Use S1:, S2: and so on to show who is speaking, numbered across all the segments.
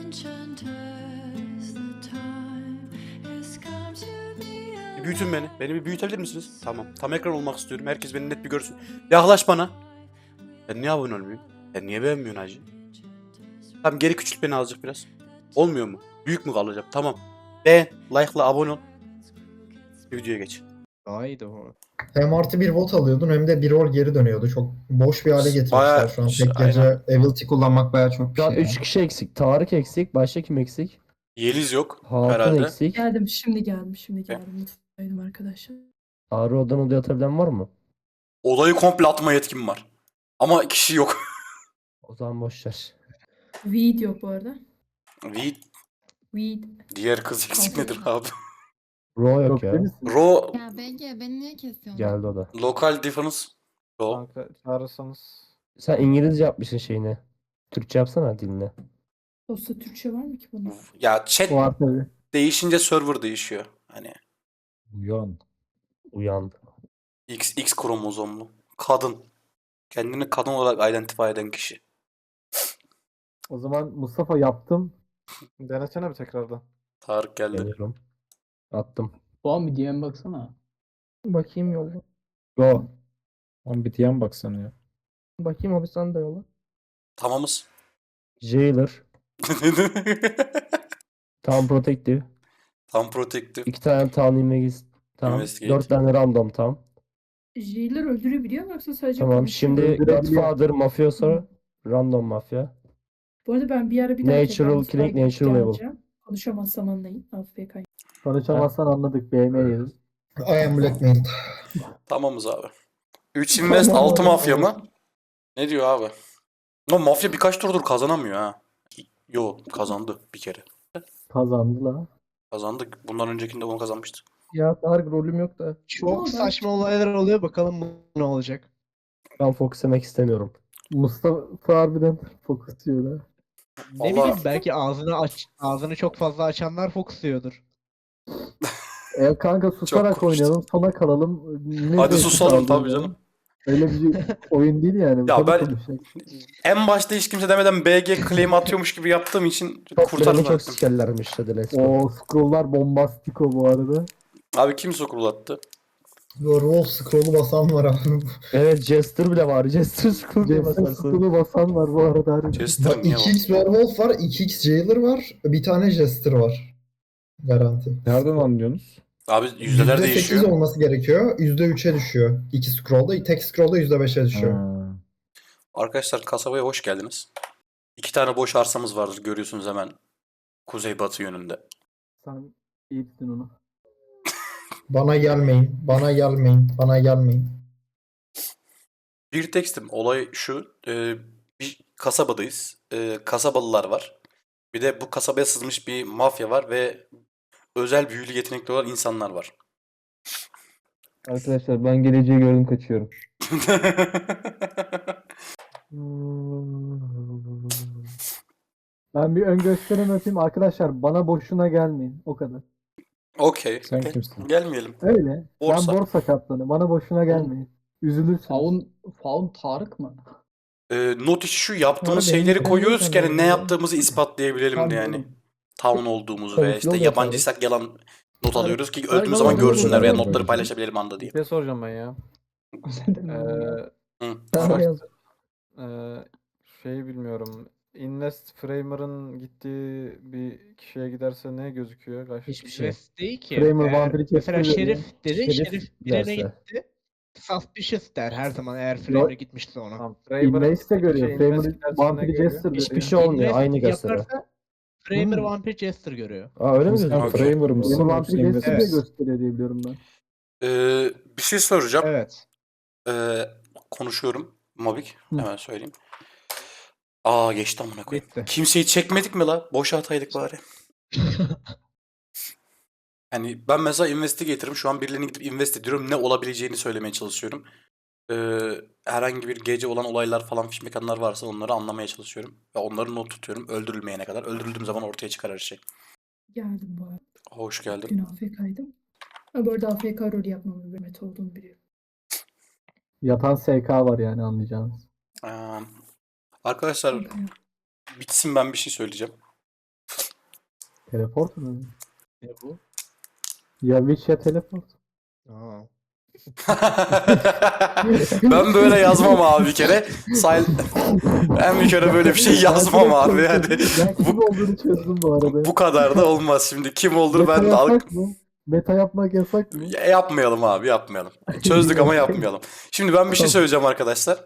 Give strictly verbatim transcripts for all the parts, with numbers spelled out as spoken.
S1: Bir büyütün beni. Beni bir büyütebilir misiniz? Tamam. Tam ekran olmak istiyorum. Herkes beni net bir görsün. Yaklaş bana. Ben niye abone olmuyorum? Ben niye beğenmiyorsun hacı? Tamam, geri küçült beni azıcık biraz. Olmuyor mu? Büyük mü kalacağım? Tamam. Beğen, like'la abone ol. Videoya geç.
S2: Daha iyiydi bu.
S3: Hem artı bir volt alıyordun hem de bir rol geri dönüyordu. Çok boş bir hale getirmişler
S1: Bayağı-
S3: şu an. Tek
S1: aynen.
S3: gece ability kullanmak bayağı çok bir
S4: Şu an
S3: şey.
S4: üç
S3: yani.
S4: kişi eksik. Tarık eksik. Başka kim eksik?
S1: Yeliz yok
S4: Hatun
S1: herhalde.
S4: eksik.
S5: Geldim şimdi geldim şimdi geldim. Mutfaktaydım arkadaşlar.
S4: Ağrı odan odaya atabilen var mı?
S1: Odayı komple atma yetkim var. Ama kişi yok.
S4: O zaman boş ver.
S5: Weed yok bu arada.
S1: Weed.
S5: Weed.
S1: Diğer kız eksik nedir abi?
S4: Ro yok ya.
S1: Ro
S6: Ya B G beni niye kesiyorsun?
S4: Geldi o da.
S1: local difference. Ro.
S2: Kanka çağırırsanız.
S4: Sen İngilizce yapmışsın şeyini. Türkçe yapsana dilini.
S5: Dosta Türkçe var mı ki bunun?
S1: Ya chat
S4: Var tabii.
S1: değişince server değişiyor. Hani
S4: Uyan. Uyandı.
S1: X X kromozomlu. Kadın. Kendini kadın olarak identify eden kişi.
S7: O zaman Mustafa yaptım.
S2: Denesene bir tekrardan.
S1: Tarık geldi.
S4: Geliyorum. Attım.
S8: Doğan bir D M baksana.
S7: Bakayım yolla.
S4: Go.
S7: Lan bir diyen baksana ya.
S4: Bakayım abi sen de yolla.
S1: Tamamız.
S4: Jailer. Tam Protective.
S1: Tam protective.
S4: İki tane Town Investigate. Tamam.
S1: Investigate.
S4: Dört tane random tam.
S5: Jailer öldürebiliyor mu yoksa sadece
S4: Tamam.
S5: konuşuyor mu?
S4: Şimdi
S7: Öldürebiliyor.
S4: Godfather, Mafioso, Random Mafya.
S5: Bu arada ben bir ara bir daha
S4: Natural
S5: tekrar mutfağa
S4: Killing, Natural Level.
S5: geleceğim. Konuşamazsam anlayın. A F K.
S7: Konuşamazsan anladık. B M yeriz.
S3: I am blackmailed.
S1: Tamamız abi. üç invest
S7: Tamam
S1: altı
S7: abi.
S1: mafya mı? Ne diyor abi? No, mafya birkaç turdur kazanamıyor ha. Yo, kazandı bir kere.
S7: Kazandı la.
S1: Kazandık. Bundan öncekinde onu kazanmıştı.
S4: Ya Tarık rolüm yok da.
S2: Çok
S5: Ama
S2: saçma olaylar oluyor, bakalım bu ne olacak.
S4: Ben fokus yemek istemiyorum.
S7: Mustafa harbiden fokus diyor da.
S2: Ne
S1: Vallahi-
S2: bileyim, belki ağzını aç ağzını çok fazla açanlar fokusluyordur.
S7: E kanka susarak
S1: konuştun.
S7: oynayalım. Sona kalalım. Ne
S1: Hadi
S7: zevki
S1: susalım
S7: kaldı
S1: tabii
S7: ya.
S1: canım.
S7: Öyle bir oyun değil yani.
S1: Ya
S7: Tabii
S1: ben-
S7: konuşacak.
S1: En başta hiç kimse demeden B G claim atıyormuş gibi yaptığım için
S4: Beni
S1: kurtardım.
S4: çok sikerlermiş hadi let's go.
S7: O scrolllar bombastiko bu arada.
S1: Abi kim sokulattı?
S3: Wolf scroll'u basan var abi.
S4: Evet Jester bile var. Jester scroll diye
S7: Jason
S4: basarsın.
S7: scroll'u basan var bu arada. harbiden.
S1: Chester
S3: Bak
S1: niye
S3: iki x Werewolf var, iki x Jailer var, bir tane Jester var. Garanti.
S7: Nereden anlıyorsunuz?
S1: Abi yüzdeler
S3: yüzde sekiz
S1: değişiyor.
S3: olması gerekiyor. yüzde üçe düşüyor. İki scroll'da, tek scroll'da yüzde beşe düşüyor.
S1: Arkadaşlar kasabaya hoş geldiniz. İki tane boş arsamız vardır, görüyorsunuz hemen kuzeybatı yönünde.
S7: Sen iyi tutun onu.
S3: Bana gelmeyin, bana gelmeyin, bana gelmeyin.
S1: Bir tekstim. Olay şu. E, bir kasabadayız. E, kasabalılar var. Bir de bu kasabaya sızmış bir mafya var ve özel büyülü yetenekli olan insanlar var.
S7: Arkadaşlar ben geleceği gördüm kaçıyorum. Ben bir ön gösterim yapayım. Arkadaşlar bana boşuna gelmeyin. O kadar.
S1: Okey.
S7: Sen
S1: okey.
S7: kimsin?
S1: Gelmeyelim.
S7: Öyle.
S1: Borsa.
S7: Ben borsa kaptanı. Bana boşuna gelmeyin. Üzülürsünüz.
S8: Faun, Faun Tarık mı?
S1: E, not işi şu, yaptığımız
S7: Abi benim
S1: şeyleri
S7: ben
S1: koyuyoruz
S7: niye
S1: ki hani ne
S7: tanıyorum ya?
S1: yaptığımızı ispatlayabilelim
S8: Tabii
S1: diye yani.
S8: canım.
S1: Town olduğumuzu
S7: Komple
S1: veya işte
S7: oluyor
S1: yabancıysak yalan not alıyoruz ki
S7: Aynen,
S1: öldüğümüz zaman
S7: aynen,
S1: görsünler
S7: aynen.
S1: veya
S7: Aynen.
S1: notları paylaşabilelim anda diye.
S2: Bir şey soracağım ben ya. Ee,
S1: Hı.
S7: Tamam, yaz.
S2: Ee, şey bilmiyorum. Invest Framer'ın gittiği bir kişiye giderse ne gözüküyor? Kaç...
S4: Hiçbir şey.
S9: Invest değil ki.
S7: Framer
S9: Eğer
S7: vampiri
S9: mesela
S7: kestiriyor
S9: Şerif
S7: ya.
S9: dedi,
S4: Şerif
S9: Şerif, birine
S4: derse.
S9: gitti. Suspicious der her zaman eğer Framer gitmişse ona.
S2: Tamam, Framer'ın
S7: Invest de görüyor.
S2: şey, invest
S7: Framer
S2: giderse ne
S7: vampiri
S2: görüyor?
S7: Jester
S4: Hiçbir
S7: görüyor.
S4: şey olmuyor.
S9: Invest
S4: Aynı gösteriyor.
S9: yaparsa Framer
S7: Hmm.
S9: Vampir Jester görüyor.
S4: Aa öyle mi gözüküyor?
S1: Okey.
S7: Framer vampiri Jester diye
S9: Evet.
S7: gösteriyor diye biliyorum ben.
S1: Ee, bir şey soracağım.
S9: Evet.
S1: Ee, konuşuyorum. Mobik.
S7: Hı.
S1: Hemen söyleyeyim. Aa geçti amına koyayım.
S9: Bitti.
S1: Kimseyi çekmedik mi la? Boşa ataydık bari. Yani ben mesela investigator'ım. Şu an birilerini gidip invest ediyorum. Ne olabileceğini söylemeye çalışıyorum. Ee, herhangi bir gece olan olaylar falan fiş mekanlar varsa onları anlamaya çalışıyorum. Ve onları not tutuyorum. Öldürülmeyene kadar. Öldürüldüğüm zaman ortaya çıkar her şey.
S5: Geldim bu arada.
S1: Hoş geldin.
S5: Dün A F K'ydım. Ha, bu arada A F K rolü yapmamın bir met olduğunu biliyorum.
S7: Yatan S K var yani anlayacağınız.
S1: Ee, arkadaşlar bitsin, ben bir şey söyleyeceğim.
S7: Teleport mu?
S9: Ne bu?
S7: Ya Witch ya teleport.
S9: Aa.
S1: Ben böyle yazmam abi bir kere. Sil ben bir kere böyle bir şey yazmam abi. Yani
S7: Ben kim olduğunu çözdüm bu arada.
S1: bu kadar da olmaz şimdi. Kim olduğunu
S7: Meta
S1: ben de al-
S7: yasak mı? Meta yapmak yasak mı?
S1: Ya- yapmayalım abi, yapmayalım. Çözdük ama yapmayalım. Şimdi ben bir şey söyleyeceğim arkadaşlar.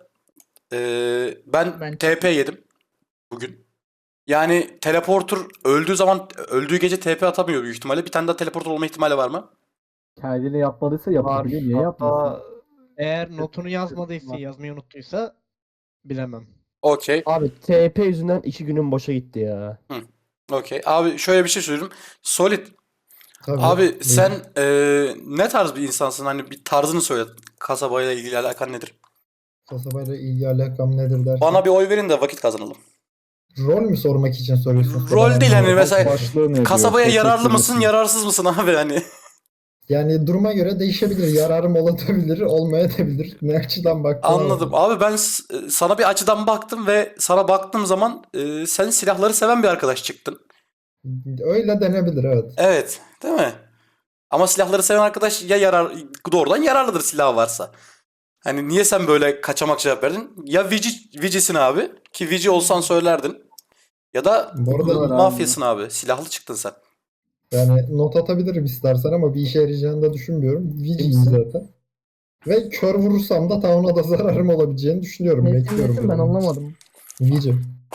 S1: Ee, ben,
S8: Ben-
S1: T P yedim bugün. Yani teleporter öldüğü zaman, öldüğü gece T P atamıyor büyük ihtimalle. Bir tane daha teleporter olma ihtimali var mı?
S7: Kendini yapmadıysa yapabilir. Niye yapmasın?
S2: Hatta
S9: Eğer notunu yazmadıysa, yazmayı unuttuysa bilemem.
S1: Okey.
S4: Abi T P yüzünden iki günüm boşa gitti ya.
S1: Okey. Abi şöyle bir şey söyleyeyim. Solid.
S3: Tabii.
S1: Abi
S3: Buyurun.
S1: sen eee, ne tarz bir insansın? Hani bir tarzını söyle. Kasabayla ilgili alakan nedir?
S3: Kasabayla ilgi alakam nedir dersen.
S1: Bana bir oy verin de vakit kazanalım.
S3: Rol mü sormak için soruyorsun?
S1: Rol değil hani mesela
S10: Başlığı ne
S1: kasabaya
S10: diyor?
S1: yararlı
S10: Teşekkür
S1: mısın,
S10: ederim.
S1: yararsız mısın abi hani?
S3: Yani duruma göre değişebilir. Yararım olabilir, olmayabilir. Ne açıdan baktığına
S1: Anladım.
S3: bağlı.
S1: Abi ben s- sana bir açıdan baktım ve sana baktığım zaman eee, sen silahları seven bir arkadaş çıktın.
S3: Öyle denebilir, evet.
S1: Evet, değil mi? Ama silahları seven arkadaş ya yarar doğrudan yararlıdır silahı varsa. Hani niye sen böyle kaçamak cevap verdin? Ya Vici, Vici'sin abi ki Vici olsan söylerdin. Ya da
S3: Bu arada
S7: Var abi.
S1: mafyasın abi. Silahlı çıktın sen.
S3: yani not atabilirim istersen ama bir işe yarayacağını da düşünmüyorum. Viciyim
S7: Kimsin?
S3: zaten. Ve kör vurursam da Town'a da zararım olabileceğini düşünüyorum.
S11: Nesin
S3: Bekliyorum.
S11: nesin ben
S3: bunu.
S11: anlamadım.
S3: Vici.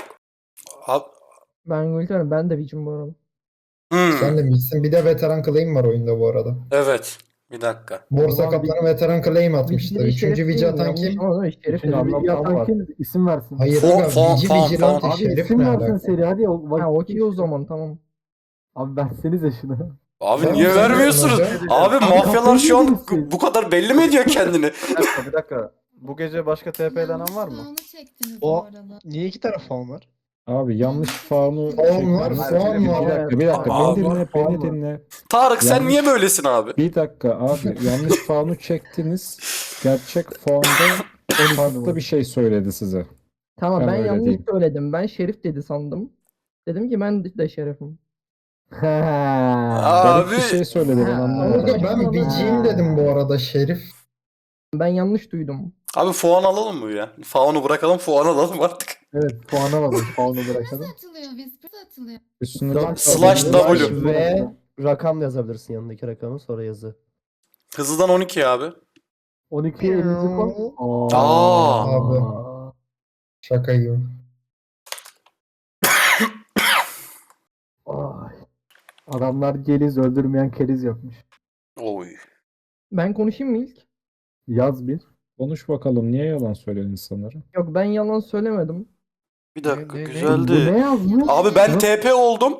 S1: Abi,
S11: Ben Gülten ben de Vicim bu arada.
S1: hmm,
S3: Sen de Vic'sin. Bir de veteran claim var oyunda bu arada.
S1: evet. Bir dakika.
S3: Borsa
S7: Ulan
S3: Kaplan'a veteran claim atmıştı.
S11: Vic'de bir
S3: Üçüncü
S11: şerif
S3: Vici
S11: değil mi?
S3: atan
S11: Yanlış
S3: kim?
S11: ama Şerif
S4: Bütün
S11: dedi.
S4: anlam-
S7: Bir yatan
S4: var.
S7: kim? İsim versin.
S3: Hayır
S1: Fon-
S3: aga,
S1: fon-
S3: Vici
S1: fon-
S3: Vigilante
S7: Abi
S3: şerif
S7: isim
S3: ne
S7: versin
S3: alaka?
S7: seri hadi. O, vakit
S11: Ha okey o
S7: geçti.
S11: zaman tamam.
S7: Abi versenize şunu.
S1: Abi
S3: Tamam,
S1: niye
S3: sen
S1: vermiyorsunuz?
S3: versin hocam.
S1: Abi
S7: Abi
S1: mafyalar
S7: kafayı
S1: şu an
S7: yemişsin.
S1: bu kadar belli mi ediyor kendini?
S2: bir dakika bir dakika. Bu gece başka T P'lenen var mı?
S6: Yanlış çektiniz
S9: O-
S6: bu arada.
S9: Niye iki taraf faun var?
S10: Abi yanlış faunu
S3: Faun
S10: çekmeniz-
S3: var,
S2: faun
S10: bir
S2: var.
S10: dakika, bir dakika.
S1: Abi.
S10: Beni dinle,
S7: Faun
S10: beni
S7: var.
S10: dinle.
S1: Tarık sen
S10: Yanlış-
S1: niye böylesin abi?
S10: Bir dakika abi, yanlış faunu çektiniz. Gerçek faunda farklı bir şey söyledi size.
S11: Tamam
S10: Ben
S11: ben
S10: öyle
S11: yanlış
S10: diyeyim.
S11: söyledim. Ben Şerif dedi sandım. Dedim ki ben de Şerif'im.
S7: Ha.
S10: Garip
S1: Abi
S10: bir şey söyledi, ben
S11: Ha,
S10: anlamadım.
S3: Aga ben Viciyim dedim bu arada şerif.
S11: Ben yanlış duydum.
S1: abi puan alalım mı ya? Faunu bırakalım, puan alalım artık.
S7: Evet puana alalım. Puanı
S6: Nasıl
S7: bırakalım.
S6: atılıyor? Whisper atılıyor.
S10: Üstüne
S7: Slash-
S1: Slash W.
S4: Ve rakam yazabilirsin yanındaki rakamı sonra yazı.
S1: Hızlıdan on iki abi.
S7: on ikiye elinizi koy.
S1: Aa.
S3: Abi. Şaka gibi.
S7: Ay. Adamlar geliz öldürmeyen keriz yapmış.
S1: Oy.
S11: Ben konuşayım mı ilk?
S7: Yaz bir.
S10: konuş bakalım, niye yalan söylüyorsun insanlara?
S11: Yok ben yalan söylemedim.
S1: Bir dakika,
S9: Ne- ne-
S7: Bu
S1: güzeldi.
S7: ne yazmış?
S1: Abi ben
S7: Nasıl-
S1: T P oldum.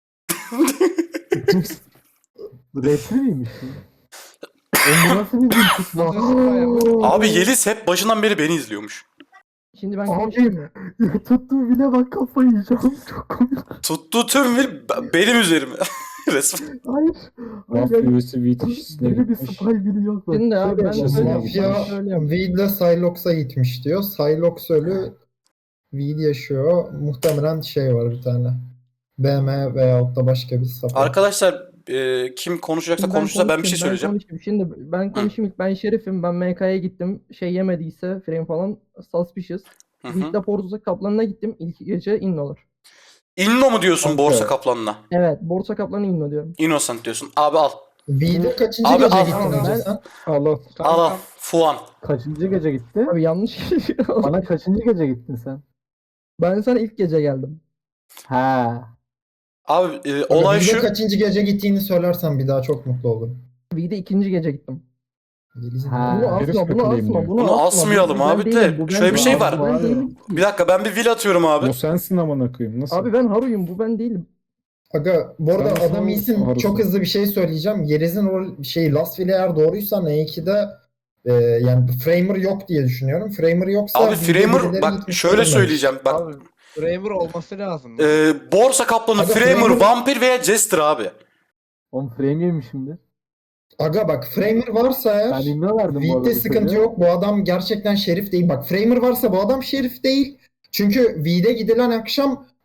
S7: Resmi miymiş? bu? Oğlum bu nasıl bir bilgiç
S9: Nasıl yapıyor?
S1: Abi Yeliz hep başından beri beni izliyormuş.
S11: Şimdi ben
S7: Abi.
S11: konuşayım mı?
S7: Tuttuğu bile bak kafayı yiyeceğim. Çok komik.
S1: Tuttuğu tüm vil be- benim üzerime. Resmen.
S7: Hayır.
S10: Raf
S7: Hayır.
S10: üyesi Vitiş'ine
S7: Böyle bir
S10: gitmiş.
S7: spy biri yok. Bak.
S11: Şimdi abi ben
S10: Şöyle
S11: söyleyeyim.
S10: yapacağız.
S3: Mafya
S11: Söyleyeyim.
S3: V ile Sylox'a gitmiş diyor. Sylox ölü, V yaşıyor. Muhtemelen şey var bir tane. B M veyahut da başka bir sapı.
S1: Arkadaşlar e, kim konuşacaksa
S11: Şimdi ben
S1: konuşsa ben bir şey
S11: konuşayım, ben
S1: söyleyeceğim.
S11: konuşayım. Şimdi ben konuşayım ilk. Ben Şerif'im. Ben M K'ya gittim. Şey yemediyse frame falan suspicious.
S1: Hı hı.
S11: League'de Borsa Kaplanı'na gittim. İlk gece innolar.
S1: Inno mu diyorsun
S10: Kanka.
S1: borsa kaplanına?
S11: Evet. Borsa Kaplanı inno diyorum.
S1: Innocent diyorsun. Abi al.
S3: V'de kaçıncı
S1: Abi
S3: gece
S1: al.
S3: gittin
S11: Ben-
S3: önce sen?
S10: Al al.
S1: Al al. Fuan.
S7: Kaçıncı gece gitti?
S11: Abi yanlış.
S7: Bana kaçıncı gece gittin sen?
S11: Ben sana ilk gece geldim.
S7: Ha.
S1: Abi e,
S3: Aga,
S1: olay
S3: V'de
S1: şu.
S3: kaçıncı gece gittiğini söylersen bir daha çok mutlu olurum.
S11: V'de ikinci gece gittim.
S3: Yeliz'in
S7: Ha.
S11: Bunu
S10: herif
S11: asma, bunu
S10: takılayım
S11: asma,
S10: diyor.
S11: bunu,
S1: Bunu
S11: asma.
S1: asmayalım
S11: Bu ben
S1: abi de,
S11: değilim, bu ben
S1: şöyle bir şey
S11: değilim,
S1: var.
S11: bu ben değilim ki.
S1: Bir dakika ben bir will atıyorum abi.
S10: O sensin amına koyayım. Nasıl?
S11: Abi ben Haru'yum, bu ben değilim.
S3: Aga bu arada
S10: Sen
S3: adam
S10: nasıl
S3: iyisin.
S10: Harus'un?
S3: Çok hızlı bir şey söyleyeceğim. Yeriz'in rol şey Last Will eğer doğruysa N iki'de e, yani Framer yok diye düşünüyorum. Framer yoksa
S1: Abi
S3: V'de
S1: Framer
S3: birileri
S1: bak
S3: gitmiş
S1: şöyle
S3: olabilir.
S1: söyleyeceğim. Bak
S9: Abi Framer olması lazım.
S1: e, borsa kaplanı,
S3: Aga,
S1: Framer,
S3: Framer-
S1: vampir veya jester abi.
S7: On frame yemiş şimdi.
S3: Aga bak Framer varsa
S7: Ben
S3: eğer
S7: imza verdim bu arada.
S3: V'de sıkıntı
S7: çocuğa.
S3: yok. Bu adam gerçekten şerif değil. Bak Framer varsa bu adam şerif değil. Çünkü V'de gidilen akşam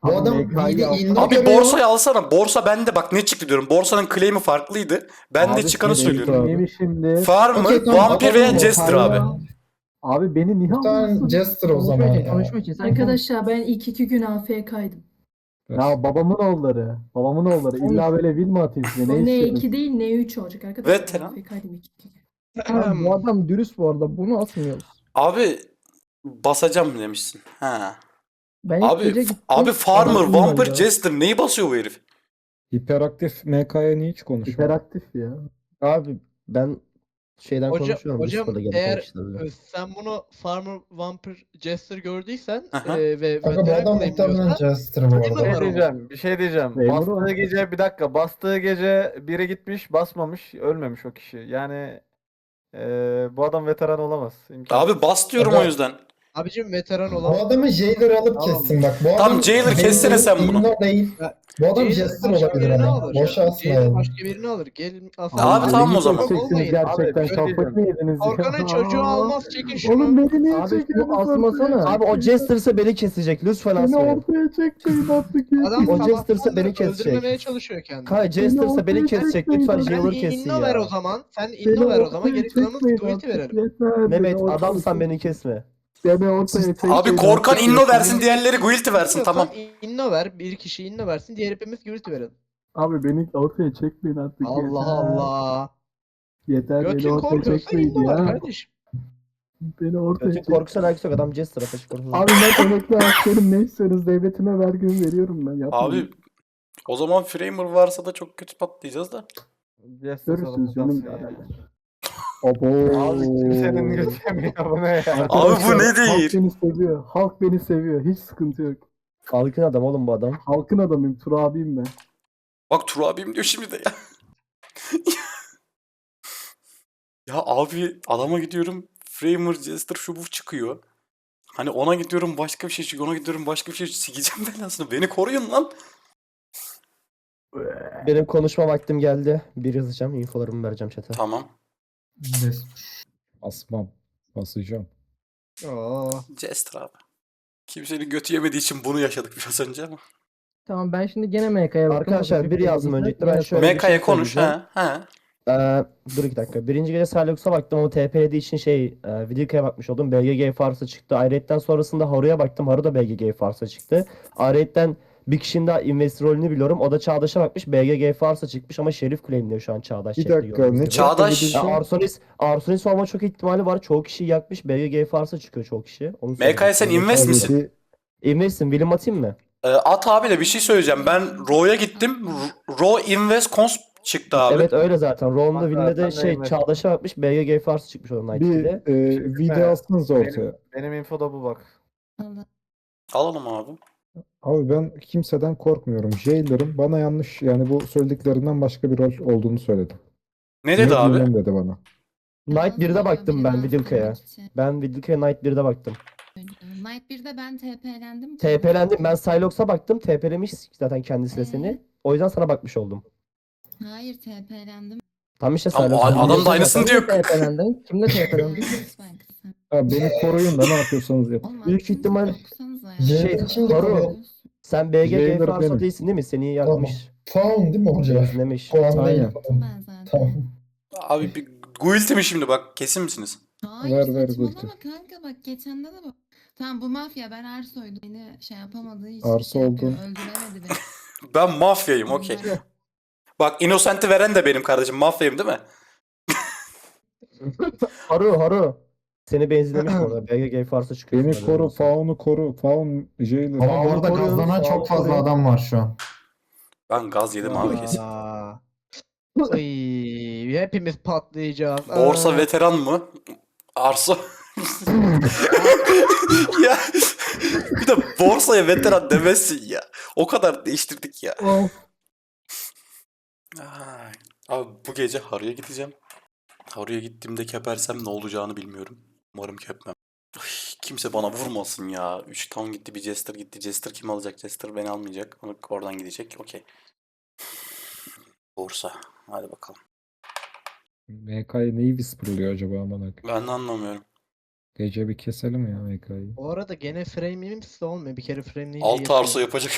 S3: Bu
S2: Abi
S3: adam
S2: M K'yı
S3: video
S2: al-
S3: inno
S1: Abi
S3: görüyor.
S1: borsayı alsana. Borsa bende bak ne çıktı diyorum. Borsanın claim'i farklıydı. Ben de
S2: Abi
S1: çıkanı
S2: senin
S1: söylüyorum.
S2: neyimi şimdi?
S1: Farmer,
S3: Okey, tamam,
S1: Vampir veya
S3: adamın
S1: Jester
S3: motorla-
S1: abi.
S2: Abi beni niye
S3: Muhtemelen
S2: alıyorsun?
S3: Jester o zaman
S11: Konuşma için,
S3: ya.
S11: konuşma için. Sen
S5: Arkadaşlar ben ilk iki gün A F K'ydım.
S2: Ya babamın oğulları. Babamın oğulları. İlla böyle vil mi atayım size? Ne
S5: O ne
S2: istiyorsunuz?
S5: iki değil ne üç olacak arkadaşlar.
S1: Veteran.
S5: A F K'ydım ilk iki gün.
S11: konuş. Abi bu adam dürüst bu arada. Bunu atmıyoruz.
S1: Abi basacağım demişsin. Ha.
S11: Ben ilk gece
S1: Abi
S11: gittim.
S1: abi Farmer,
S11: adam
S1: Vampir,
S11: oynadı.
S1: Jester neyi basıyor bu herif?
S10: Hiperaktif M K'ya niye hiç konuşmuyor?
S2: Hiperaktif ya.
S4: Abi ben şeyden
S9: Hocam,
S4: konuşuyorum.
S9: hocam
S4: Discord'da gereken
S9: eğer
S4: kişilerle.
S9: e, sen bunu Farmer, Vampir, Jester gördüysen
S1: Aha.
S9: e, ve
S3: Kanka bu
S9: veteran
S3: adam muhtemelen
S9: claimliyorsa
S3: Jester bu
S9: Öyle mi
S2: Bir
S3: arada.
S9: var
S2: şey
S9: o?
S2: diyeceğim, bir şey diyeceğim.
S10: Memur
S2: Bastığı
S10: var.
S2: gece bir dakika, bastığı gece biri gitmiş, basmamış, ölmemiş o kişi. Yani eee, bu adam veteran olamaz. İmkansız.
S1: Abi bas diyorum
S3: Aga-
S1: o yüzden.
S9: abicim veteran
S3: Bu
S9: olan
S3: adamı Jailer alıp
S9: Tamam.
S3: kessin bak. Bu
S1: Tamam,
S3: adam
S1: Jailer kessene sen bunu.
S3: inno değil. Bu adam
S9: Jailer
S3: Jester
S9: başka
S3: olabilir
S9: birini
S3: ama.
S9: alır.
S3: Boşa
S9: Jailer
S3: asmayalım.
S9: başka birini alır. Gel
S1: Abi
S9: aslan.
S1: tamam o zaman.
S2: Çekeceksiniz gerçekten,
S9: Abi, bir şey
S2: kafayı mı yediniz ya?
S9: Korkanın çocuğu almaz, çekin şunu.
S2: Oğlum beni niye
S11: Abi şunu
S2: çekiyorsunuz
S11: asmasana.
S2: ortaya?
S4: Abi o Jester'sa beni kesecek. Lütfen
S2: Beni
S4: asmayın.
S2: ortaya çekmeyin artık ya.
S9: Adam
S4: O
S9: sabahtan
S4: Jester'sa beni
S9: beri
S4: kesecek.
S9: öldürmemeye çalışıyor kendini.
S4: Kay Jester'sa beni
S2: ortaya
S4: kesecek.
S2: çekmeyin
S4: Lütfen
S2: abi.
S9: Sen
S4: Jailer kessin
S9: inno ver o
S4: ya.
S9: zaman. Sen
S2: Beni
S9: inno ver o zaman.
S2: ortaya
S9: Geri kalanını
S2: çekmeyin
S9: tweet'i
S2: artık,
S9: verelim.
S2: yeter.
S4: Mehmet
S2: Beni ortaya
S4: adamsan
S2: çek-
S4: beni kesme.
S2: Beni ortaya çekmeyin.
S1: Abi Korkan
S2: artık,
S1: inno
S2: yeter.
S1: versin, diğerleri guilty versin, tamam.
S9: inno ver. Bir kişi inno versin. Diğer hepimiz guilty verelim.
S2: Abi beni ortaya çekmeyin artık,
S9: Allah
S2: yeter.
S9: Allah.
S2: Yeter, beni
S9: Götün
S2: ortaya
S9: korkuyorsa
S2: çekmeyin
S9: inno ver
S2: ya.
S9: kardeşim.
S2: Beni ortaya
S4: Kötü
S2: çek.
S4: korkusan alakası yok. Adam Jester ateş korkusu.
S2: Abi ben emekli askerim, ne istiyorsunuz? Devletime vergimi veriyorum ben. Yapmayın.
S1: Abi o zaman Framer varsa da çok kötü patlayacağız da.
S2: Görürsünüz canım ya.
S10: Abo.
S2: Abi kimsenin götüremiyor bu ne ya?
S1: Abi bu
S2: Arkadaşlar,
S1: ne
S2: Halk
S1: değil?
S2: beni seviyor. Halk beni seviyor. Hiç sıkıntı yok.
S4: Halkın adam oğlum bu adam.
S2: Halkın adamıyım. Tur abiyim ben.
S1: Bak Tur abim diyor şimdi de ya. Ya abi adama gidiyorum Framer, Jester şu bu çıkıyor. Hani ona gidiyorum başka bir şey çıkıyor, ona gidiyorum başka bir şey çıkıyor. Sikeceğim ben aslında. Beni koruyun lan.
S4: Benim konuşma vaktim geldi. Bir yazacağım. Infolarımı vereceğim chat'e.
S1: Tamam.
S10: Asmam. Basacağım.
S9: Oo.
S1: Jester abi. Kimsenin götü yemediği için bunu yaşadık biraz önce ama.
S11: Tamam ben şimdi gene M K'ya baktım.
S4: Arkadaşlar,
S11: Hafif
S4: bir
S11: bir
S4: yazdım
S11: bilgisi.
S4: öncelikle, ben
S11: Yine
S4: şöyle- bir
S1: M K'ya
S4: şey
S1: konuş
S4: söyleyeceğim.
S1: ha. Ha.
S4: Ee, dur iki dakika. Birinci gece Cylox'a baktım ama T P'lediği için şey e, Vidika'ya bakmış oldum. B G G Fars'a çıktı. Ayrıyetten sonrasında Haru'ya baktım. Haru da B G G Fars'a çıktı. Ayrıyetten bir kişinin daha investor rolünü biliyorum. O da Çağdaş'a bakmış. B G G Fars'a çıkmış ama Şerif claimliyor şu an Çağdaş.
S10: Bir
S4: chatte
S10: dakika,
S4: gördüğünüz
S10: ne
S4: gibi.
S1: Çağdaş-
S10: çekti
S4: Ya
S10: bir de-
S4: Arsonis, Arsonis olma çok ihtimali var. Çoğu kişi yakmış. B G G Fars'a çıkıyor çoğu kişi. Onu
S1: M K'ya sen
S4: söyleyeyim.
S1: invest
S10: Abi
S1: misin?
S10: bir-
S4: Invest'im. William atayım mı?
S1: Ee, at abi de bir şey söyleyeceğim. Ben Raw'ya gittim. R- Raw Invest Cons çıktı abi.
S4: Evet öyle zaten. Ron'da
S2: Bak
S4: Ville'de
S2: zaten
S4: şey
S2: invest.
S4: Çağdaş'a bakmış. B G G Fars'a çıkmış o Night
S10: Bir
S4: ikide.
S10: e, video atsanız ortaya.
S2: Benim, benim infoda bu bak.
S6: Allah.
S1: Alalım abi.
S10: Abi ben kimseden korkmuyorum. Jailer'ım bana yanlış, yani bu söylediklerinden başka bir rol olduğunu söyledi.
S1: Ne dedi
S10: Ne
S1: abi?
S10: bilmem dedi bana.
S4: Night birde baktım ben
S6: Olabilir,
S4: Vidilka'ya.
S6: bahsetmek için.
S4: Ben Vidilka'ya Night birde baktım.
S6: Night birde ben T P'lendim.
S4: T P'lendim. Ben Sylox'a baktım. T P'lemiş zaten kendisi de seni. O yüzden sana bakmış oldum.
S6: Hayır T P'lendim.
S4: Tam işte
S1: Tamam,
S4: Sylox'a.
S1: adam da aynısını diyor.
S11: Kimle T P'lendin? Kimle T P'lendin?
S6: Lütfen kızım.
S10: Abi beni koruyun da ne yapıyorsanız yapın.
S6: Oğlum,
S4: Büyük
S6: aklınızı
S4: ihtimal-
S6: okusanıza ya.
S3: Jailer
S4: Şey,
S3: kimdi
S4: Haru.
S3: koruyor?
S4: Sen B G G
S10: Jailer
S4: Farsa
S10: benim.
S4: değilsin değil mi? Seni yakmış.
S3: Faun değil mi hoca?
S4: Benzinlemiş.
S3: Faun değil.
S10: Aynen.
S6: Ben zaten.
S3: Tamam.
S1: Abi bir guilty mi şimdi bak? Kesin misiniz?
S6: Hayır
S10: Ver, ver,
S6: saçmalama
S10: Gülten.
S6: kanka bak geçende de bak. Tamam bu mafya ben Arso'ydum. Beni şey yapamadığı için
S10: Arso
S6: şey yapıyor,
S10: oldun.
S6: öldüremedi beni.
S1: Ben mafyayım okey. Bak Innocent'i veren de benim kardeşim. Mafyayım değil mi?
S4: Haru Haru. Seni benzinlemiş bu arada. B G G Farsa çıkıyor.
S10: Beni koru, Faun'u koru. Faun Jailer.
S3: Ama bu arada
S4: koruyoruz,
S3: gazlanan
S4: sağ
S3: çok
S4: ol,
S3: fazla
S4: koruyoruz.
S3: adam var şu an.
S1: Ben gaz yedim abi kesin.
S9: Aa. Ay, hepimiz patlayacağız.
S1: Borsa
S9: Aa.
S1: veteran mı? Arso. Ya bir de borsaya veteran demezsin ya. O kadar değiştirdik ya. Ay. Abi bu gece Haru'ya gideceğim. Haru'ya gittiğimde kepersem ne olacağını bilmiyorum. Umarım kepmem. Ay, kimse bana vurmasın ya. üç town gitti, bir Jester gitti. Jester kim alacak? Jester beni almayacak. Onu oradan gidecek. Okey. Borsa. Hadi bakalım.
S10: M K'ya neyi whisperlıyor acaba aman akım?
S1: Ben de anlamıyorum.
S10: Gece bir keselim ya M K'yı.
S9: Bu arada gene frame'imiz de olmuyor. Bir kere frameleyince
S1: Altı
S9: yetiyor.
S1: arso yapacak.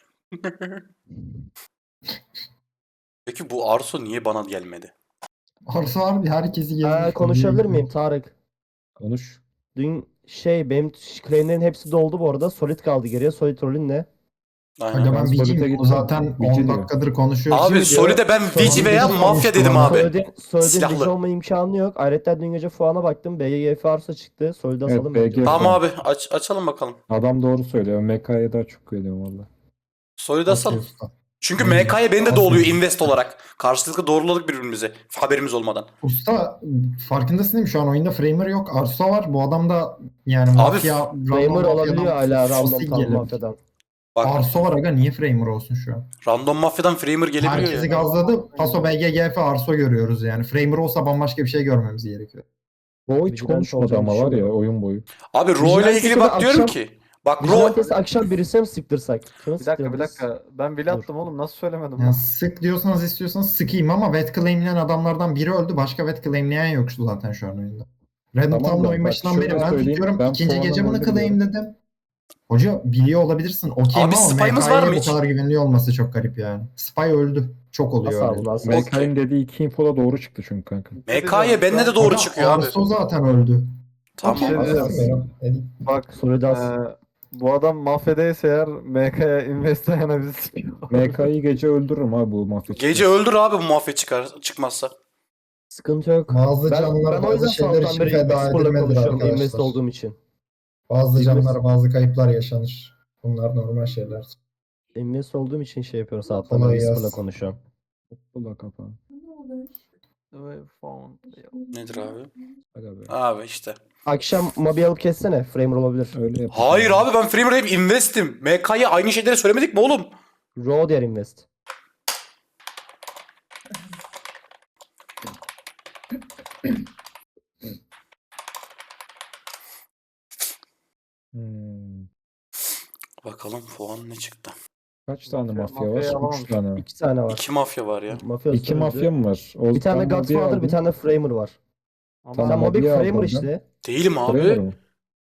S1: Peki bu arso niye bana gelmedi?
S3: Arsa harbi herkesi gezmiş.
S4: Ee, konuşabilir miyim Tarık?
S10: Konuş.
S4: Dün şey benim claimlerin hepsi doldu bu arada. Solid kaldı geriye. Solid rolün ne?
S1: Aynen.
S3: Aga
S10: Ben
S3: ben
S10: Solid'e
S3: Vici'yim. O
S10: gittim.
S3: zaten
S10: Vici
S3: on
S10: diyor.
S3: dakikadır konuşuyoruz.
S1: Abi
S3: Vici diyor.
S1: Soli'de ben Vici
S3: Solid'e
S1: veya
S3: Vici
S1: Mafya
S3: konuştu
S1: dedim
S3: bana.
S1: abi.
S4: Solid'in Solid'in
S1: Silahlı.
S4: Vici olma imkanı yok. Ayrıca dün gece Fuan'a baktım. B G G F arsa çıktı. Solid'e
S10: Evet,
S4: asalım
S10: B G
S4: bence.
S1: Tamam abi aç, açalım bakalım.
S10: Adam doğru söylüyor. M K'ya daha çok güveniyorum valla.
S1: Soli'de asalım.
S3: Okey usta.
S1: Çünkü
S3: Aynen.
S1: M K'ya beni de
S3: Aslında.
S1: doğuluyor invest olarak. Karşılıklı doğruladık birbirimizi. Haberimiz olmadan.
S3: Usta farkındasın değil mi? Şu an oyunda Framer yok. Arsa var. Bu adam da yani
S1: Abi,
S3: mafya,
S4: Framer
S3: random
S4: olabiliyor
S3: mafyadan
S4: hala random
S3: fosil
S4: tam
S3: gelir.
S4: mafyadan.
S1: Bak
S3: Arso var aga. Niye Framer olsun şu an?
S1: random mafyadan framer gelebiliyor
S3: Herkesi
S1: ya.
S3: gazladı. Paso B G G F Arso görüyoruz yani. Framer olsa bambaşka bir şey görmemiz gerekiyor.
S10: O hiç
S4: Vigilante
S10: konuşmadı
S4: olacağını
S10: ama var ya
S4: düşünmüyorum.
S10: oyun boyu.
S1: Abi Ro ile
S4: Vigilante
S1: ilgili
S4: de
S1: bak diyorum
S4: akşam-
S1: ki. Bak Ro
S4: Vigilantes'i akşam birisine mi sıktırsak? Kime
S2: Bir dakika bir
S4: sıktırabiliriz?
S2: dakika. Ben bile attım oğlum. Nasıl söylemedim
S3: Yani
S2: lan?
S3: sık diyorsanız istiyorsanız sıkayım ama vet claimleyen adamlardan biri öldü. Başka vet claimleyen yok zaten şu an oyunda. Random
S10: Tamam
S3: Town'da
S10: da
S3: oyun
S10: bak
S3: başından
S10: şöyle
S3: beri ben
S10: söyleyeyim,
S3: tutuyorum.
S10: ben
S3: İkinci
S10: puanımı
S3: gece bunu
S10: öldürmüyorum.
S3: claimledim. Hoca biliyor olabilirsin. Okey
S1: Abi
S3: ama
S1: spy'ımız var mı
S3: M K'ye bu
S1: hiç?
S3: kadar güveniliyor olması çok garip yani. Spy öldü. Çok oluyor
S4: Asla
S3: öyle.
S4: bunu asla.
S10: M
S1: Okey.
S10: K'nin dediği iki info da doğru çıktı çünkü kanka.
S1: M K'ya bende de doğru
S3: Aga,
S1: çıkıyor abi.
S3: Arso zaten öldü.
S1: Tamam.
S3: Okey,
S2: Bir şey diyeceğim.
S3: aslında. Dedim.
S2: Bak
S4: Solid as.
S2: eee, bu adam mafyadaysa eğer M K'ya invest ayağına bizi sıkıyor.
S10: M K'yı gece öldürürüm abi bu mafya.
S1: Gece öldür abi bu mafya çıkar çıkmazsa.
S4: Sıkıntı yok.
S3: Bazı
S4: Ben,
S3: canlar
S4: ben o yüzden
S3: bazı şeyler
S4: sabahtan
S3: için
S4: beri
S3: feda
S4: Whisper'la
S3: edilmelidir
S4: konuşuyorum invest
S3: arkadaşlar.
S4: olduğum için.
S3: Bazı
S4: Invest-
S3: canlar bazı kayıplar yaşanır. Bunlar normal şeyler.
S4: Invest olduğum için şey yapıyorum sabahtan
S3: Kolay
S4: beri Whisper'la
S3: gelsin.
S4: konuşuyorum.
S10: Ula kafa.
S1: Nedir abi?
S10: Hadi be.
S1: Abi işte.
S4: Akşam mobi alıp kessene. Framer olabilir.
S10: Öyle yapacağım.
S1: Hayır abi ben framer hep investim. M K'ya aynı şeyleri söylemedik mi oğlum?
S4: Raw diğer invest.
S10: Hmm.
S1: Bakalım puan ne çıktı?
S10: Kaç tane
S2: Mafya-
S10: mafya
S2: mafyayı
S10: var?
S2: alamamış.
S10: Üç tane.
S4: İki tane var.
S1: İki mafya var ya.
S4: Mafya
S10: İki
S4: öldü.
S10: mafya mı var? O
S4: Bir tane
S10: ben Mobi'yi
S4: Godfather, bir
S10: aldım.
S4: tane Framer var.
S2: Ama
S10: Tamam,
S4: Sen Mobi
S10: Mobi'yi aldım
S4: Framer
S10: ben.
S4: işte.
S1: Değilim
S10: Framer
S1: abi.
S10: mı?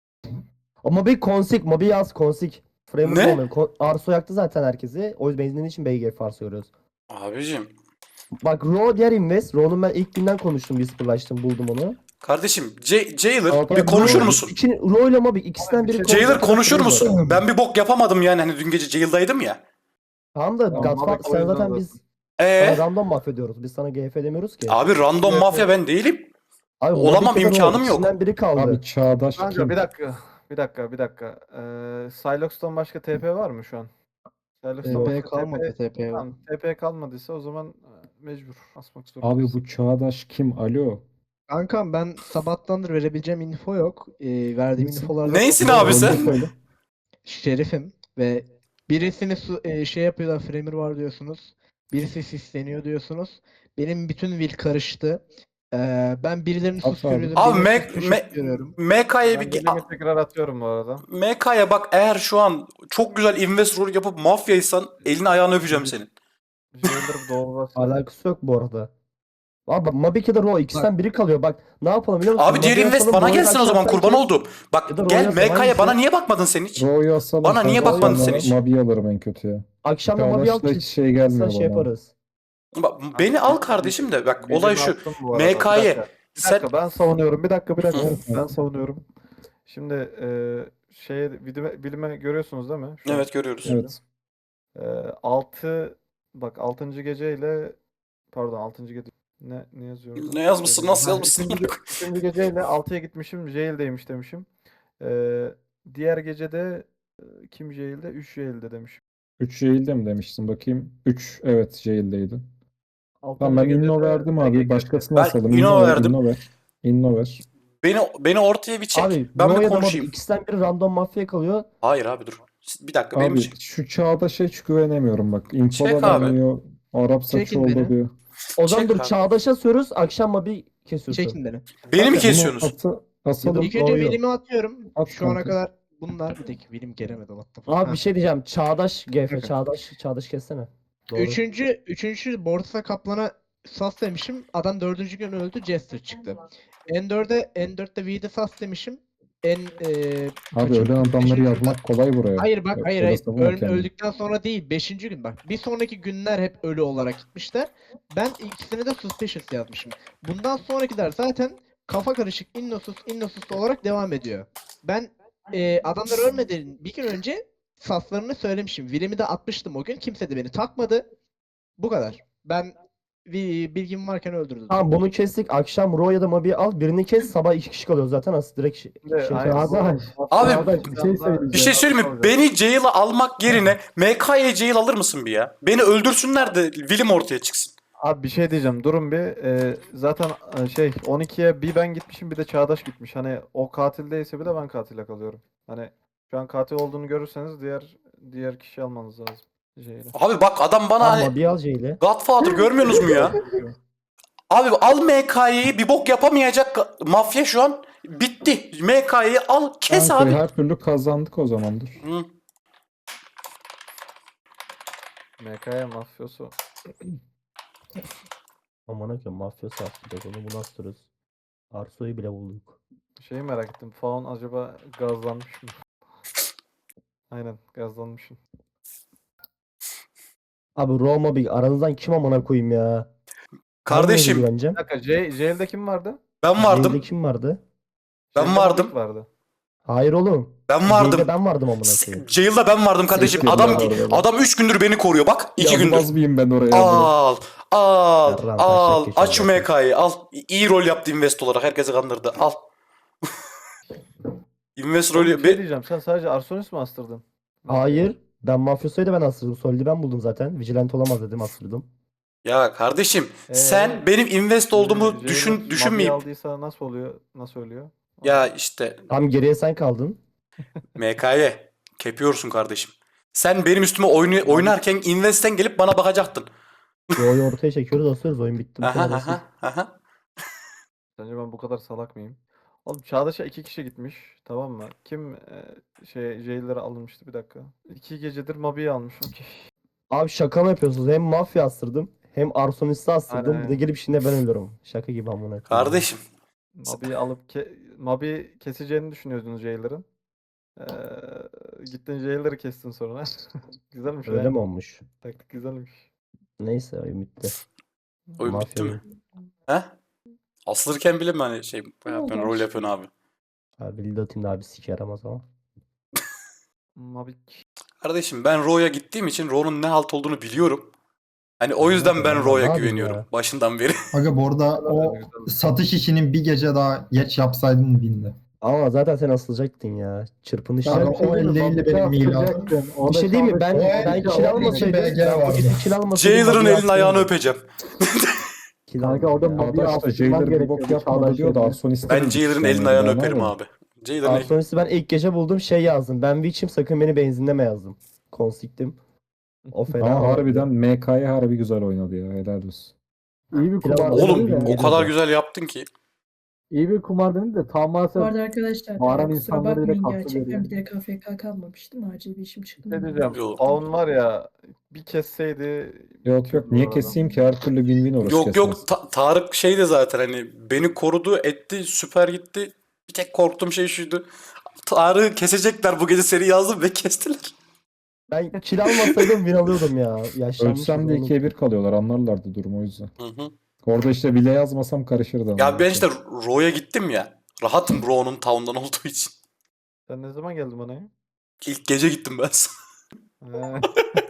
S4: O Mobi Consig, Mobi yaz Consig. Framer
S1: Ne?
S4: olmuyor. Kon- Arso yaktı zaten herkesi. O yüzden benzinliğin için B G G Farsı görüyoruz.
S1: Abicim.
S4: Bak Raw diğer invest. Raw'nun ben ilk günden konuştum. Whisper'laştım buldum onu.
S1: Kardeşim J- Jailer
S10: Abi,
S1: bir konuşur
S10: Raw-
S1: musun?
S4: İki, Raw ile Mobi ikisinden biri
S2: Jailer
S1: Jailer
S4: konuşuyor.
S1: konuşur
S4: Framer.
S1: musun? Ben bir bok yapamadım yani hani dün gece Jail'daydım ya.
S4: Tamam da
S2: Tamam,
S4: Godfather
S2: Mobi o
S4: sen
S2: yüzden
S4: zaten
S2: de-
S4: biz
S1: Ee,
S4: sana random mahvediyoruz. Biz sana G F demiyoruz ki.
S1: abi random
S2: Evet,
S1: mafya
S2: evet.
S1: ben değilim.
S4: Abi,
S1: olamam,
S4: Mobi kadar
S1: imkanım
S4: o,
S1: yok.
S4: İkisinden biri kaldı.
S10: Abi Çağdaş
S2: Kanka
S10: kim?
S2: bir dakika. Bir dakika bir dakika. Eee Silox'tan başka T P var mı şu an? Silox'tan
S9: T P
S2: başka
S9: kalmadı T P.
S2: Tamam, T P kalmadıysa o zaman e, mecbur asmak zorundayız.
S10: Abi bu Çağdaş kim? Alo.
S9: Kankam ben sabahtandır verebileceğim info yok. Ee, verdiğim
S10: Neysin?
S9: infolarda
S1: Neysin
S9: çok-
S1: abi sen?
S4: Söyle.
S9: Şerifim ve birisini su- e, şey yapıyorlar, Framer var diyorsunuz. Birisi sisleniyor diyorsunuz. Benim bütün will karıştı. Ee, ben birilerini
S10: Abi,
S9: susturuyorum.
S1: Abi,
S9: birilerini
S1: Mac-
S9: susturup
S1: Mac-
S9: görüyorum.
S1: M K'ya
S2: Ben
S1: bir
S2: birimi tekrar atıyorum bu arada.
S1: M K'ya bak eğer şu an çok güzel invest rol yapıp mafyaysan elini ayağını öpeceğim senin.
S2: Jailer doğrularsa.
S4: Alakası yok bu arada. Abi Mobi kadar Raw ikisinden biri kalıyor. Bak ne yapalım biliyor musun?
S1: Abi diğer
S4: Mobi'yi
S1: invest
S4: asalım,
S1: bana
S4: Raw'yu
S1: gelsin o zaman
S4: akşam
S1: kurban
S4: sanki-
S1: oldum.
S4: Ya
S1: Bak
S4: da
S1: gel
S4: Royal
S1: M K'ya
S4: hangisi?
S1: bana niye bakmadın sen hiç?
S10: Ro'yu asalım.
S1: Bana niye
S10: kanka,
S1: bakmadın
S10: sonra
S1: sen hiç?
S10: Mobi'yi alırım en kötü ya.
S4: Akşam da Mobi al
S10: Çağdaş'la
S4: ki
S10: hiç şey gelmiyor
S4: şey
S10: bana.
S4: yaparız.
S1: Bak, beni al kardeşim de bak
S2: Birimi
S1: olay şu.
S2: attım bu arada.
S1: M K'ye
S2: Bir dakika, bir
S1: sen
S2: dakika, ben savunuyorum. Bir dakika bir dakika.
S10: Hı.
S2: ben savunuyorum. Şimdi e, şeye bilime, bilime görüyorsunuz değil mi? Şu an?
S1: evet görüyoruz.
S10: Evet.
S2: E, altı bak altıncı geceyle pardon altıncı gece ne ne yazıyor orada?
S1: Ne yazmışsın, nasıl
S2: Ha,
S1: yazmışsın?
S2: üçüncü, üçüncü geceyle altıya gitmişim. Jail'deymiş demişim. E, diğer gecede e, kim Jail'de? üç Jail'de demişim.
S10: üç Jail'de mi demiştin bakayım? üç evet Jail'deydi.
S2: Altıncı
S10: Tamam ben
S2: gecede
S10: inno verdim abi.
S2: Ege
S10: Başkasına
S1: Ben
S10: asalım.
S1: inno
S10: ver,
S1: verdim.
S10: Inno ver. Inno ver.
S1: Beni beni ortaya bir çek.
S4: Abi
S1: ben
S4: Raw
S1: bir
S4: ya da Mobi
S1: konuşayım.
S4: ikisinden biri random mafya kalıyor.
S1: Hayır abi dur. Bir dakika benim
S10: Abi
S1: için.
S10: şu Çağdaş'a hiç güvenemiyorum bak. Info
S1: Çek
S10: da
S1: abi.
S10: vermiyor. Arap saçı
S9: Çekin
S10: oldu
S9: beni.
S10: diyor.
S4: O zaman
S1: Çek
S4: dur
S1: abi.
S4: Çağdaş'a sürüyoruz. Akşam Mobi kesiyorsun.
S9: Çekin beni.
S1: Beni mi
S10: Bunu
S1: kesiyorsunuz?
S10: atı, asalım.
S9: İlk önce
S10: Ro'yu.
S9: willimi atıyorum.
S10: At
S9: Şu ana
S10: kanka.
S9: kadar bunlar bir dakika willim gelemedi what the
S4: Abi
S9: fuck.
S4: bir şey diyeceğim. Çağdaş G F. Çağdaş. Çağdaş kessene. Doğru.
S9: Üçüncü, üçüncü Borsa Kaplan'a sas demişim. Adam dördüncü gün öldü. Jester çıktı. N dört'e N dört'te V'de sas demişim. en eee
S10: Abi
S9: kaçıncı
S10: ölen
S9: gün?
S10: adamları
S9: Beşinci gün.
S10: yazmak kolay buraya.
S9: Hayır bak
S10: Ö-
S9: hayır
S10: öyle
S9: hayır.
S10: savunma
S9: Öl-
S10: kendini.
S9: öldükten sonra değil. Beşinci gün bak. Bir sonraki günler hep ölü olarak gitmişler. Ben ikisine de suspicious yazmışım. Bundan sonrakiler zaten kafa karışık innocus innocus olarak devam ediyor. Ben eee adamlar ölmeden bir gün önce saflarını söylemişim. Will'imi de atmıştım o gün. Kimse de beni takmadı. Bu kadar. Ben bir bilgim varken öldürdüm.
S4: Tamam bunu kestik. Akşam Ro ya da Mabi'yi al. Birini kes. Sabah iki kişi kalıyor zaten. Aslında direkt şey,
S2: Şimdi
S4: şey
S2: aynen.
S7: Çağdaş.
S1: Abi,
S7: Çağdaş bir şey söyleyeceğim.
S1: Bir şey söyleyeyim mi? Beni jail'a almak yerine M K'ye jail alır mısın bir ya? Beni öldürsünler de Will'im ortaya çıksın.
S2: Abi bir şey diyeceğim. Durun bir. Ee, zaten e, şey on ikiye bir ben gitmişim bir de Çağdaş gitmiş. Hani o katil değilse bile ben katile kalıyorum. Hani şu an katil olduğunu görürseniz diğer diğer kişi almanız lazım. Şeyle.
S1: Abi bak adam bana
S4: Tamam,
S1: hani
S4: Mabi'yi al Jay'le.
S1: Godfather görmüyorsunuz mu ya? Abi al M K'yi, bir bok yapamayacak mafya şu an. Bitti. M K'yi al kes
S10: Kanka,
S1: abi.
S10: her türlü kazandık o zaman dur.
S1: Hı.
S2: M K'ya mafyosu.
S4: Aman akım mafyası attık onu bunu astırırız. Arso'yu bile bulduk.
S2: Şeyi merak ettim. Faun acaba gazlanmış mı? Aynen gazlanmışım.
S4: Abi Ro Mabi aranızdan kim amına koyayım ya?
S1: Kardeşim
S4: Güveneceğim.
S2: Bir dakika J, Jail'de kim vardı?
S1: ben vardım.
S4: Jay'de kim vardı?
S1: Ben
S2: Jail'de
S1: vardım.
S2: Mabik vardı.
S4: Hayır oğlum.
S1: Ben vardım.
S4: Jay'de ben vardım amına koyayım.
S1: Jail'da ben vardım kardeşim.
S10: Siktir
S1: Adam
S10: ya orada.
S1: adam üç gündür beni koruyor bak. iki gündür.
S10: Yazmaz mıyım ben oraya?
S1: Al, al,
S4: Yarram,
S1: al.
S4: taşak
S1: Aç şu
S4: geçiyor
S1: M K'yi al. İyi rol yaptı invest olarak. Herkesi kandırdı. Al. invest
S2: Oğlum,
S1: rolü.
S2: bir şey
S1: Be-
S2: diyeceğim. Sen sadece Arsonis mi astırdın?
S4: Hayır. Ben mafyosuydu ben astırdım. Solid'i ben buldum zaten. Vigilant olamaz dedim astırdım.
S1: Ya kardeşim
S2: Ee,
S1: sen benim invest olduğumu
S2: Jailer
S1: düşün
S2: Mabi'yi
S1: düşünmeyip
S2: aldıysa nasıl oluyor? Nasıl ölüyor?
S1: ya işte
S4: Tam geriye sen kaldın.
S1: M K'ye kepiyorsun kardeşim. Sen benim üstüme oyunu oynarken investten gelip bana bakacaktın.
S4: Ro'yu ortaya çekiyoruz asıyoruz. Oyun bitti. Bu
S1: Aha
S4: kadar basit.
S1: aha aha.
S2: Sence ben bu kadar salak mıyım? Oğlum Çağdaş'a iki kişi gitmiş. Tamam mı? Kim e, şey jail'lere alınmıştı bir dakika. İki gecedir Mabi'yi almış. Okey.
S4: Abi şaka mı yapıyorsunuz? Hem mafya astırdım. Hem arsonisti astırdım.
S2: Aynen.
S4: Bir de gelip şimdi ben ölüyorum. Şaka gibi amına koyayım.
S1: Kardeşim
S2: Mabi'yi alıp ke Mabi keseceğini düşünüyordunuz jail'lerin. Ee, gittin jail'leri kestin sonra. Güzelmiş
S4: Öyle
S2: ya.
S4: mi olmuş?
S2: Taktik güzelmiş.
S4: Neyse oyun bitti.
S1: oyun bitti
S4: Mafya
S1: mi? He? Asılırken bile mi hani şey yapıyorsun, rol yapıyorsun abi?
S4: Abi Lido Team'de abi sik yaramaz ama.
S2: Mabi
S1: Kardeşim ben Ro'ya gittiğim için Ro'nun ne halt olduğunu biliyorum. Hani o yüzden ben
S4: Ama
S1: Ro'ya
S4: ne yapayım
S1: güveniyorum
S4: ya?
S1: başından beri.
S3: Aga bu arada o satış işinin bir gece daha geç yapsaydın bindi.
S4: Ama zaten sen asılacaktın ya. Çırpınışlar.
S3: Aga, o elli elli benim miladım.
S4: Bir şey değil mi? Ben
S3: O
S4: ben
S3: iki-
S4: kill
S3: o
S4: almasaydım.
S3: iki B G
S4: Ben
S3: vardı.
S4: bugün kill almasaydım.
S1: Jailer'ın
S4: Mabi'yi
S1: elini ayağını
S4: astırırdım.
S1: öpeceğim.
S4: Kill
S7: Kanka
S4: aldım
S7: orada
S4: ya.
S7: Mabi'yi
S10: Çağdaş da
S7: astırman
S10: Jailer bir
S7: gerekiyordu.
S10: bok yapmadı
S7: Çağdaş
S10: diyor da
S7: yerine.
S10: Arsonist'e
S1: Ben
S10: de
S1: Jailer'ın
S10: düşman
S1: elini ayağını
S10: yani,
S1: öperim
S10: anladın mı?
S1: abi. Jailer'ın el-
S4: Arsonisti ben ilk gece buldum şey yazdım. Ben Witch'im sakın beni benzinleme yazdım. Konsiktim. O fena.
S10: Ama
S4: oldu.
S10: harbiden M K'ya harbi güzel oynadı ya. Helal olsun.
S7: İyi bir
S4: Pilav
S7: kumar
S4: aldım.
S1: Oğlum
S7: denedi de.
S1: o kadar güzel yaptın ki.
S7: İyi bir kumar denedi de tam
S5: Bu
S7: maalesef
S5: arada arkadaşlar
S7: Bağıran
S5: e, kusura
S7: insanları bile
S5: bakmayın
S7: kaptı
S5: gerçekten
S7: veriyor.
S5: bir de K F K kalmamıştım. Acil bir işim çıktı.
S2: ne diyeceğim?
S1: Yok.
S2: Faun var ya bir kesseydi
S10: Yok yok niye
S2: bu arada.
S10: keseyim ki her türlü win-win orası
S1: Yok
S10: kesmez.
S1: yok Ta- Tarık şeydi zaten hani beni korudu etti süper gitti. Bir tek korktuğum şey şuydu. Tarık'ı kesecekler bu gece seri yazdım ve kestiler.
S4: Ben kill almasaydım win alıyordum ya. Yaşlanmışım.
S10: Ölsem de
S4: oğlum.
S10: ikiye bir kalıyorlar anlarlardı durumu o yüzden.
S1: Hı hı.
S10: Orada işte bile yazmasam karışırdı. ama.
S1: Ya ben işte Ro'ya gittim ya. Rahatım Ro'nun town'dan olduğu için.
S2: Sen ne zaman geldin bana ya?
S1: İlk gece gittim ben sana.
S2: He.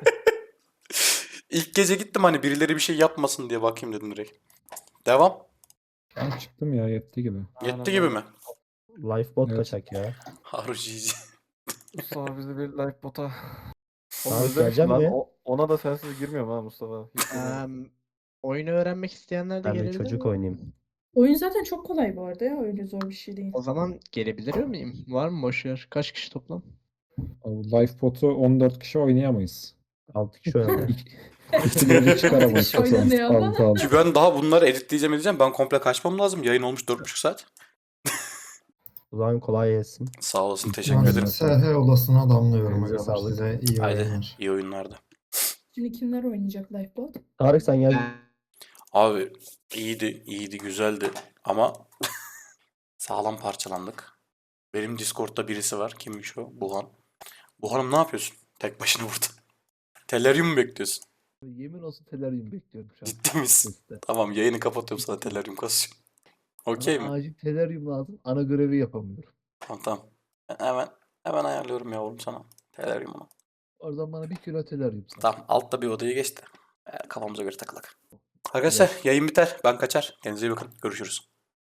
S1: İlk gece gittim hani birileri bir şey yapmasın diye bakayım dedim direkt. Devam.
S10: Ben çıktım ya yetti gibi.
S2: Aynen
S1: Yetti gibi
S2: öyle.
S1: mi?
S4: Lifebot
S10: Evet.
S4: kaçak ya.
S1: Haru Cici.
S2: Mustafa bizi bir live bota. Oğlum
S4: Abi
S2: özlemişim
S4: geleceğim
S2: lan.
S4: mi?
S2: O- ona da sensiz girmiyorum ha Mustafa. Hiç girmiyorum.
S9: Em, oyunu öğrenmek isteyenler de
S4: Ben bir
S9: gelebilir
S4: çocuk
S9: mi?
S4: oynayayım.
S5: Oyun zaten çok kolay bu arada ya. Öyle zor bir şey değil.
S9: O zaman gelebilir miyim? Var mı boş yer? Kaç kişi toplam?
S10: Lifebot'u on dört kişi oynayamayız.
S4: altı kişi oynadı.
S10: İkisi çıkaramayız.
S5: Kişi oynanıyor ama.
S10: Altı altı.
S1: Ki ben daha bunları editleyeceğim edeceğim. Ben komple kaçmam lazım. Yayın olmuş dört buçuk saat.
S4: O zaman kolay gelsin.
S1: Sağ olasın teşekkür
S3: Ben
S1: ederim.
S3: S H odasına damlıyorum.
S4: Elinize
S3: Aga.
S4: sağlık.
S3: Size iyi
S1: Haydi
S3: oyunlar.
S1: iyi oyunlarda.
S5: Şimdi kimler oynayacak Lifebot?
S4: Tarık sen gel.
S1: Abi iyiydi, iyiydi, güzeldi ama sağlam parçalandık. Benim Discord'da birisi var. Kimmiş o? Buhan. Buhan'ım ne yapıyorsun? Tek başına burada. Tellerium mu bekliyorsun?
S7: Yemin olsun telaryum bekliyorum şu an.
S1: Ciddi misin?
S7: Seste.
S1: Tamam yayını kapatıyorum sana Tellerium kasıyorum. Okey
S7: Bana
S1: mi?
S7: acil telaryum lazım. Ana görevi yapamıyorum.
S1: Tamam tamam. Ben hemen hemen ayarlıyorum yavrum sana. Tellerium'unu.
S7: Oradan bana bir kilo telaryum sat.
S1: Tamam altta bir odaya geçti. Ee, kafamıza göre takılak. Arkadaşlar yayın biter. Ben kaçar. Kendinize iyi bakın. Görüşürüz.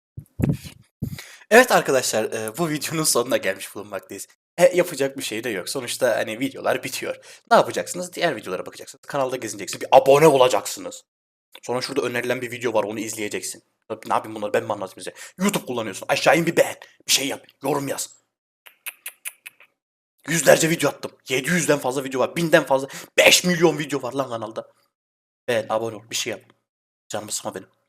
S1: Evet arkadaşlar e, bu videonun sonuna gelmiş bulunmaktayız. E, yapacak bir şey de yok. Sonuçta hani videolar bitiyor. Ne yapacaksınız? Diğer videolara bakacaksınız. Kanalda gezineceksiniz. Bir abone olacaksınız. Sonra şurada önerilen bir video var onu izleyeceksin. Ne yapayım bunları ben mi anlatayım size? YouTube kullanıyorsun. Aşağı in bir beğen. Bir şey yap. Yorum yaz. Yüzlerce video attım. yedi yüzden fazla video var. binden fazla. beş milyon video var lan kanalda. Beğen, abone ol. Bir şey yap. Canımı sıkma benim.